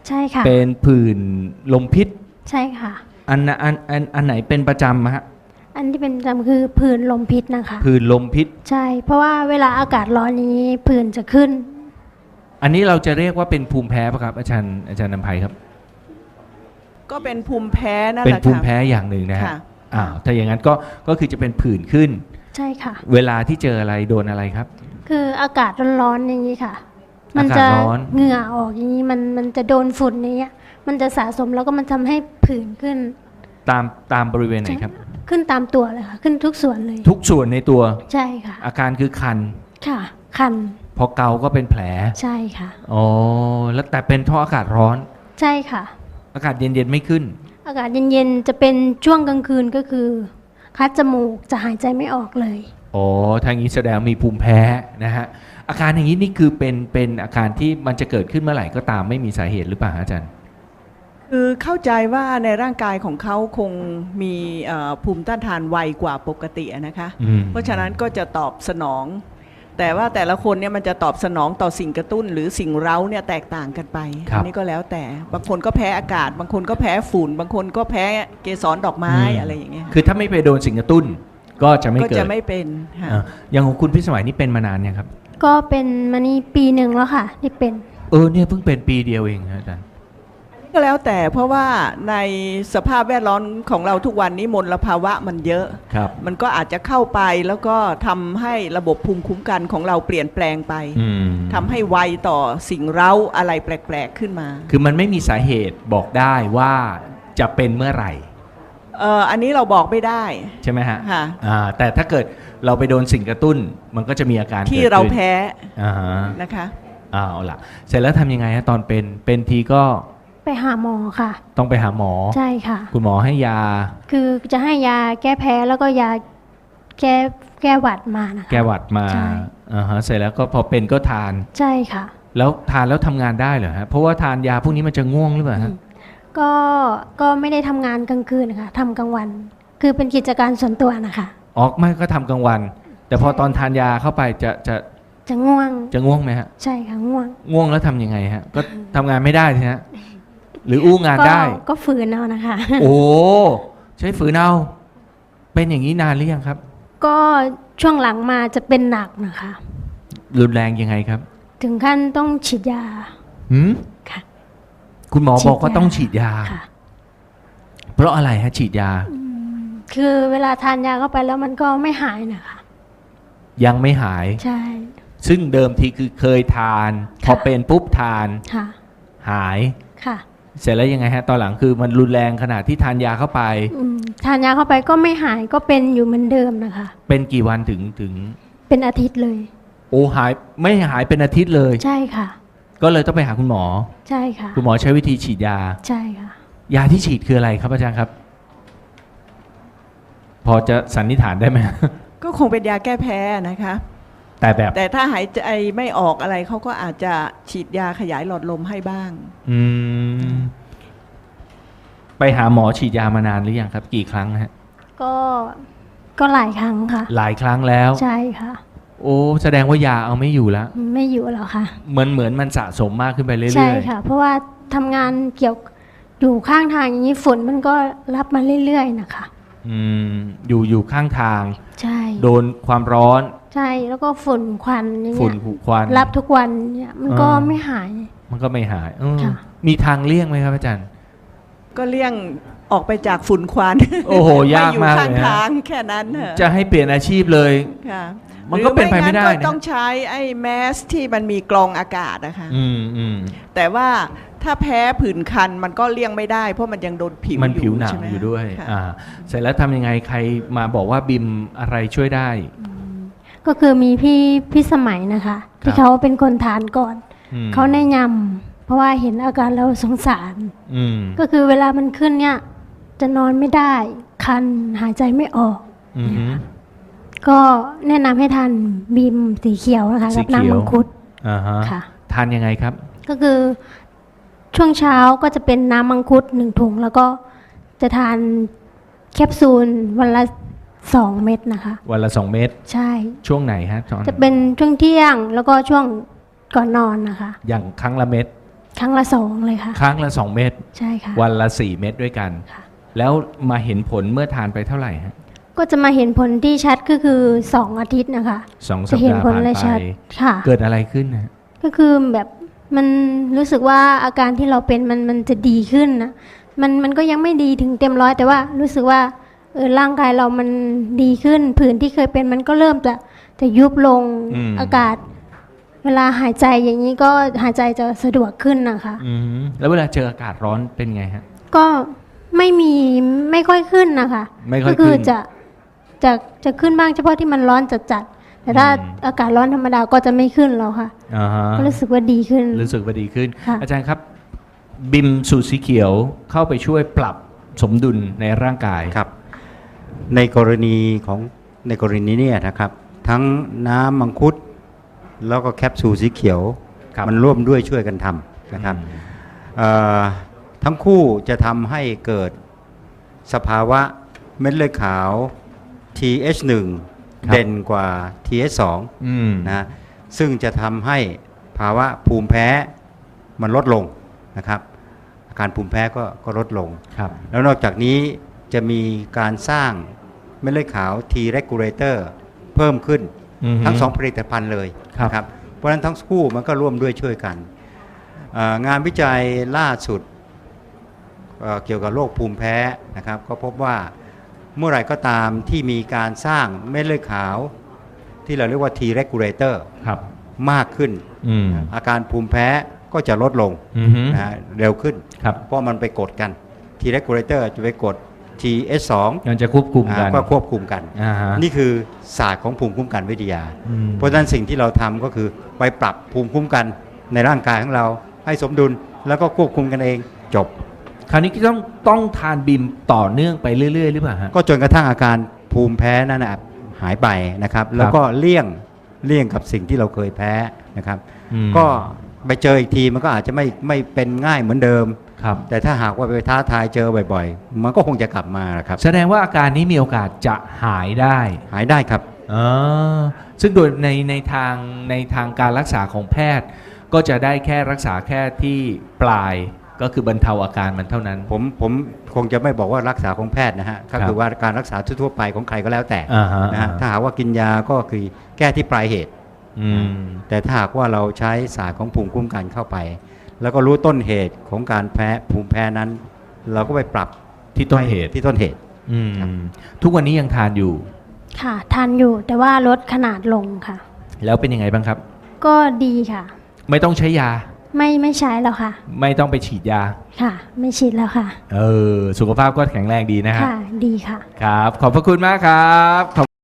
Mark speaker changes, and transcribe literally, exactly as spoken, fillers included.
Speaker 1: ใช่ค่ะ
Speaker 2: เป็นผื่นลมพิษ
Speaker 1: ใช่ค่ะ
Speaker 2: อันน่ะอันอันอันไหนเป็นประจำฮะ
Speaker 1: อันที่เป็นประจำคือผื่นลมพิษนะคะ
Speaker 2: ผื่นลมพิษ
Speaker 1: ใช่เพราะว่าเวลาอากาศร้อนอย่างนี้ผื่นจะขึ้น
Speaker 2: อันนี้เราจะเรียกว่าเป็นภูมิแพ้ป่ะครับอาจารย์อาจารย์นำไพครับ
Speaker 3: ก็เป็นภูมิแพ้นั่นแห
Speaker 2: เป็น
Speaker 3: ละค่ะ
Speaker 2: ภูมิแพ้อย่างหนึ่งนะฮะ
Speaker 3: ค่ะ
Speaker 2: อ้าวถ้าอย่างนั้นก็ก็คือจะเป็นผื่นขึ้น
Speaker 1: ใช่ค่ะ
Speaker 2: เวลาที่เจออะไรโดนอะไรครับ
Speaker 1: คืออากาศร้อนๆอย่างนี้ค่ะมั
Speaker 2: อากาศ
Speaker 1: จะ
Speaker 2: ร้อน
Speaker 1: เหงื่อออกอย่างนี้มันมันจะโดนฝุ่นอย่างเงี้ยมันจะสะสมแล้วก็มันทำให้ผื่นขึ้น
Speaker 2: ตามตามบริเวณไหนครับ
Speaker 1: ขึ้นตามตัวเลยค่ะขึ้นทุกส่วนเลย
Speaker 2: ทุกส่วนในตัว
Speaker 1: ใช่ค่ะ
Speaker 2: อาการคือคัน
Speaker 1: ค่ะคัน
Speaker 2: พอเกาก็เป็นแผล
Speaker 1: ใช่ค่ะ
Speaker 2: อ๋อแล้วแต่เป็นเพราะอากาศร้อน
Speaker 1: ใช่ค่ะ
Speaker 2: อากาศเย็นๆไม่ขึ้น
Speaker 1: อากาศเย็นๆจะเป็นช่วงกลางคืนก็คือคัดจมูกจะหายใจไม่ออกเลย
Speaker 2: อ๋อทางนี้แสดงมีภูมิแพ้นะฮะอาการอย่างนี้นี่คือเป็นเป็นอาการที่มันจะเกิดขึ้นเมื่อไหร่ก็ตามไม่มีสาเหตุหรือเปล่าอาจารย์
Speaker 3: คือเข้าใจว่าในร่างกายของเขาคงมีภูมิต้านทานไวกว่าปกตินะคะเพราะฉะนั้นก็จะตอบสนองแต่ว่าแต่ละคนเนี่ยมันจะตอบสนองต่อสิ่งกระตุ้นหรือสิ่งเร้าเนี่ยแตกต่างกันไปอันนี้ก็แล้วแต่บางคนก็แพ้อากาศบางคนก็แพ้ฝุ่นบางคนก็แพ้เกสรดอกไม้อะไรอย่างเงี้ย
Speaker 2: คือถ้าไม่ไปโดนสิ่งกระตุ้นก็จะไม่เกิด
Speaker 3: ก็จะไม่เป็นค่ะ
Speaker 2: อย่างของคุณพิสมัยนี่เป็นมานานเนี่ยครับ
Speaker 1: ก็เป็นมานี่ปีหนึ่งแล้วค่ะที่เป็น
Speaker 2: เออเนี่ยเพิ่งเป็นปีเดียวเองอาจารย์
Speaker 3: ก็แล้วแต่เพราะว่าในสภาพแวดล้อมของเราทุกวันนี้มลภาวะมันเยอะมันก็อาจจะเข้าไปแล้วก็ทำให้ระบบภูมิคุ้มกันของเราเปลี่ยนแปลงไปทำให้ไวต่อสิ่งเร้าอะไรแปลกๆขึ้นมา
Speaker 2: คือมันไม่มีสาเหตุบอกได้ว่าจะเป็นเมื่อไหร่
Speaker 3: เอออันนี้เราบอกไม่ได้
Speaker 2: ใช่ไหมฮะค่ะแต่ถ้าเกิดเราไปโดนสิ่งกระตุ้นมันก็จะมีอาการ
Speaker 3: ที่เราแพ้นะคะ
Speaker 2: อ้าวล่ะเสร็จแล้วทำยังไงฮะตอนเป็นเป็นทีก็
Speaker 1: ไปหาหมอค่ะ
Speaker 2: ต้องไปหาหมอ
Speaker 1: ใช่ค่ะ
Speaker 2: คุณหมอให้ยา
Speaker 1: คือจะให้ยาแก้แพ้แล้วก็ยาแก้แก้หวัดมานะคะ
Speaker 2: แก้หวัดมาอ่าฮะเสร็จแล้วก็พอเป็นก็ทาน
Speaker 1: ใช่ค่ะ
Speaker 2: แล้วทานแล้วทำงานได้เหรอฮะเพราะว่าทานยาพวกนี้มันจะง่วงหรือเปล่าฮะ
Speaker 1: ก็ก็ไม่ได้ทำงานกลางคืนนะคะทำกลางวันคือเป็นกิจการส่วนตัวนะคะ
Speaker 2: อ๋อไม่ก็ทำกลางวันแต่พอตอนทานยาเข้าไปจะจะ
Speaker 1: จะง่วง
Speaker 2: จะง่วงไหมฮะ
Speaker 1: ใช่ค่ะง่วง
Speaker 2: ง่วงแล้วทำยังไงฮะก็ทำงานไม่ได้ใช่ไหมหรืออู้งานได้
Speaker 1: ก็ฝืนเอานะคะ
Speaker 2: โอ้ใช้ฝืนเอาเป็นอย่างนี้นานหรือยังครับ
Speaker 1: ก็ช่วงหลังมาจะเป็นหนักนะคะ
Speaker 2: รุนแรงยังไงครับ
Speaker 1: ถึงขั้นต้องฉีดยา
Speaker 2: หืมค่ะคุณหมอบอกว่าต้องฉีดยาเพราะอะไรฮะฉีดยา
Speaker 1: คือเวลาทานยาเข้าไปแล้วมันก็ไม่หายนะคะ
Speaker 2: ยังไม่หาย
Speaker 1: ใช่
Speaker 2: ซึ่งเดิมทีคือเคยทานพอเป็นปุ๊บทานหาย
Speaker 1: ค่ะ
Speaker 2: เสร็จแล้วยังไงฮะตอนหลังคือมันรุนแรงขนาดที่ทานยาเข้าไป
Speaker 1: ทานยาเข้าไปก็ไม่หายก็เป็นอยู่เหมือนเดิมนะคะ
Speaker 2: เป็นกี่วันถึงถึง
Speaker 1: เป็นอาทิตย์เลย
Speaker 2: โอ้หายไม่หายเป็นอาทิตย์เลย
Speaker 1: ใช่ค่ะ
Speaker 2: ก็เลยต้องไปหาคุณหมอ
Speaker 1: ใช่ค่ะ
Speaker 2: คุณหมอใช้วิธีฉีดยา
Speaker 1: ใช่ค่ะ
Speaker 2: ยาที่ฉีดคืออะไรครับอาจารย์ครับพอจะสันนิษฐานได้ไหม
Speaker 3: ก็คงเป็นยาแก้แพ้นะคะ
Speaker 2: แต่แบบ
Speaker 3: แต่ถ้าหายใจไม่ออกอะไรเขาก็อาจจะฉีดยาขยายหลอดลมให้บ้าง
Speaker 2: อืมไปหาหมอฉีดยามานานหรือยังครับกี่ครั้งฮะ
Speaker 1: ก็ก็หลายครั้งค่ะ
Speaker 2: หลายครั้งแล้ว
Speaker 1: ใช่ค่ะ
Speaker 2: โอ้แสดงว่ายาเอาไม่อยู่แล้ว
Speaker 1: ไม่อยู่แล้วค่ะ
Speaker 2: เหมือนเหมือนมันสะสมมากขึ้นไปเรื่อยๆ
Speaker 1: ใช่ค่ะเพราะว่าทำงานเกี่ยวอยู่ข้างทางอย่างนี้ฝนมันก็รับมาเรื่อยๆนะคะ
Speaker 2: อืมอยู่อยู่ข้างทาง
Speaker 1: ใช่
Speaker 2: โดนความร้อน
Speaker 1: ใช่แล้วก็ฝุ่นควันอย่างเงี้ย
Speaker 2: ฝุ่นควัน
Speaker 1: รับทุกวันเนี่ยมันก็ไม่หาย
Speaker 2: มันก็ไม่หายมีทางเลี่ยงไหมครับอาจารย์
Speaker 3: ก็เลี่ยงออกไปจากฝุ่นควัน
Speaker 2: โอ้โหยากมากเลย
Speaker 3: อยู่ข้างทางแค่นั้น
Speaker 2: จะให้เปลี่ยนอาชีพเลย
Speaker 3: ค่ะ
Speaker 2: มันก็เป็นไปไม่ได้
Speaker 3: นะต้องใช้ไอ้แมสที่มันมีกรองอากาศนะคะ
Speaker 2: อืมอืม
Speaker 3: แต่ว่าถ้าแพ้ผื่นคันมันก็เลี่ยงไม่ได้เพราะมันยังโดนผิว
Speaker 2: มันผิวหนังอยู่ด้วยอ่าเสร็จแล้วทำยังไงใครมาบอกว่าบิมอะไรช่วยได้
Speaker 1: ก็คือมีพี่พี่สมัยนะคะที่เขาเป็นคนทานก่อนเขาแนะนำเพราะว่าเห็นอาการแล้วสงสารก็คือเวลามันขึ้นเนี่ยจะนอนไม่ได้คันหายใจไม่ออกก็แนะนำให้ทานบีมสีเขียวนะคะกับน้ำมังคุด
Speaker 2: ค่ะทานยังไงครับ
Speaker 1: ก็คือช่วงเช้าก็จะเป็นน้ำมังคุดหนึ่งถุงแล้วก็จะทานแคปซูลวันละสองเม็ดนะคะ
Speaker 2: วันละสองเม็ด
Speaker 1: ใช่
Speaker 2: ช่วงไหนฮะ
Speaker 1: จะเป็นช่วงเที่ยงแล้วก็ช่วงก่อนนอนนะคะ
Speaker 2: อย่างครั้งละเม็ด
Speaker 1: ครั้งละสองเลยค่ะ
Speaker 2: ครั้งละสองเม็ด
Speaker 1: ใช่ค่ะ
Speaker 2: วันละสี่เม็ดด้วยกัน
Speaker 1: ค่ะ
Speaker 2: แล้วมาเห็นผลเมื่อทานไปเท่าไหร่ฮะ
Speaker 1: ก็จะมาเห็นผลที่ชัดก็คือสองอาทิตย์นะคะ
Speaker 2: สองสั
Speaker 1: จะ
Speaker 2: ป
Speaker 1: เห็น
Speaker 2: ดาห์
Speaker 1: ผล
Speaker 2: ผ่าน
Speaker 1: เลย
Speaker 2: ไป
Speaker 1: ชัดค่ะ
Speaker 2: เกิดอะไรขึ้นนะ
Speaker 1: ก็คือแบบมันรู้สึกว่าอาการที่เราเป็นมันมันจะดีขึ้นนะมันมันก็ยังไม่ดีถึงเต็มร้อยแต่ว่ารู้สึกว่าเออร่างกายเรามันดีขึ้นผื่นที่เคยเป็นมันก็เริ่มจะจะยุบลง
Speaker 2: อืม
Speaker 1: อากาศ เวลาหายใจอย่างนี้ก็หายใจจะสะดวกขึ้นนะคะ
Speaker 2: อืมแล้วเวลาเจออากาศร้อนเป็นไงฮะ
Speaker 1: ก็ไม่มีไม่ค่อยขึ้นนะคะ
Speaker 2: ไม่ค่อย
Speaker 1: ก็คื
Speaker 2: ขึ้น
Speaker 1: จะจะจะขึ้นบ้างเฉพาะที่มันร้อนจัดๆแต่ถ้า
Speaker 2: อืม
Speaker 1: อากาศร้อนธรรมดาก็จะไม่ขึ้นแล้วค่ะ
Speaker 2: อ่าฮะ
Speaker 1: ก็รู้สึกว่าดีขึ้น
Speaker 2: รู้สึกว่าดีขึ้น
Speaker 1: ค่ะ
Speaker 2: อาจารย์ครับ บิมสูตรสีเขียวเข้าไปช่วยปรับสมดุลในร่างกาย
Speaker 4: ครับในกรณีของในกรณีเนี้นะครับ ทั้งน้ำมังคุดแล้วก็แคปซูลสีเขียว
Speaker 2: ครับ
Speaker 4: มันร่วมด้วยช่วยกันทำนะครับเอ่อทั้งคู่จะทำให้เกิดสภาวะเม็ดเลือดขาว ที เอช หนึ่ง
Speaker 2: ครับ
Speaker 4: เด่นกว่า ที เอช สอง
Speaker 2: อืม
Speaker 4: นะซึ่งจะทำให้ภาวะภูมิแพ้มันลดลงนะครับอาการภูมิแพ้ก็ก็ลดลง
Speaker 2: ครับ
Speaker 4: แล้วนอกจากนี้จะมีการสร้างเม็ดเลือดขาว T regulator เพิ่มขึ้น
Speaker 2: อือฮึ
Speaker 4: ทั้งสองผลิตภัณฑ์เลย
Speaker 2: ครับ
Speaker 4: นะครับเพราะฉะนั้นทั้งคู่มันก็ร่วมด้วยช่วยกันเอ่องานวิจัยล่าสุดเอ่อเกี่ยวกับโรคภูมิแพ้นะครับก็พบว่าเมื่อไหร่ก็ตามที่มีการสร้างเม็ดเลือดขาว ที่เราเรียกว่า T regulator
Speaker 2: ครับ
Speaker 4: มากขึ้น
Speaker 2: อืม
Speaker 4: อาการภูมิแพ้ก็จะลดลง
Speaker 2: อือฮึ
Speaker 4: นะฮะเร็วขึ้น
Speaker 2: ครับ
Speaker 4: เพราะมันไปกดกัน T regulator จะไปกด ที เอช สอง
Speaker 2: มันจะควบคุมกัน
Speaker 4: ก็ควบคุมกัน
Speaker 2: อ่าฮะ
Speaker 4: นี่คือศาสตร์ของภูมิคุ้มกันวิทยา
Speaker 2: อืม
Speaker 4: เพราะฉะนั้นสิ่งที่เราทำก็คือไปปรับภูมิคุ้มกันในร่างกายของเราให้สมดุลแล้วก็ควบคุมกันเองจบ
Speaker 2: คราวนี้ก็ต้องต้องทานบิมต่อเนื่องไปเรื่อยๆหรือเปล่าฮะ
Speaker 4: ก็จนกระทั่งอาการภูมิแพ้นั้นนะหายไปนะครับ แล้วก็เลี่ยงเลี่ยงกับสิ่งที่เราเคยแพ้นะครับ
Speaker 2: อืม
Speaker 4: ก็ไปเจออีกทีมันก็อาจจะไม่ไม่เป็นง่ายเหมือนเดิม
Speaker 2: ครับ
Speaker 4: แต่ถ้าหากว่าไปท้าทายเจอบ่อยๆ มันก็คงจะกลับมาครับ
Speaker 2: แสดงว่าอาการนี้มีโอกาสจะหายได้
Speaker 4: หายได้ครับ
Speaker 2: อ๋อซึ่งโดยในในทางในทางการรักษาของแพทย์ ก็จะได้แค่รักษาแค่ที่ปลายก็คือบรรเทาอาการมันเท่านั้น
Speaker 4: ผมผมคงจะไม่บอกว่ารักษาของแพทย์นะฮะก็
Speaker 2: ครั
Speaker 4: คื
Speaker 2: บ
Speaker 4: อว่าการรักษาทั่วๆไปของใครก็แล้วแต่
Speaker 2: อ่าฮะ
Speaker 4: นะฮะถ้าหากว่ากินยาก็คือแก้ที่ปลายเหตุ
Speaker 2: อืม
Speaker 4: แต่ถ้าหากว่าเราใช้ศาสตร์ของภูมิคุ้มกันเข้าไป แล้วก็รู้ต้นเหตุของการแพ้ภูมิแพ้นั้น เราก็ไปปรับ
Speaker 2: ที่ต้นเหตุ
Speaker 4: ที่ต้นเหตุ
Speaker 2: อืม
Speaker 4: ครับ
Speaker 2: ทุกวันนี้ยังทานอยู่
Speaker 1: ค่ะทานอยู่แต่ว่าลดขนาดลงค่ะ
Speaker 2: แล้วเป็นยังไงบ้างครับ
Speaker 1: ก็ดีค่ะ
Speaker 2: ไม่ต้องใช้ยา
Speaker 1: ไม่ไม่ใช้แล้วค่ะ
Speaker 2: ไม่ต้องไปฉีดยา
Speaker 1: ค่ะ ไม่ฉีดแล้วค่ะ
Speaker 2: เออ สุขภาพก็แข็งแรงดีนะฮะ
Speaker 1: ค่ะ ดีค่ะ
Speaker 2: ครับ ขอบพระคุณมากครับ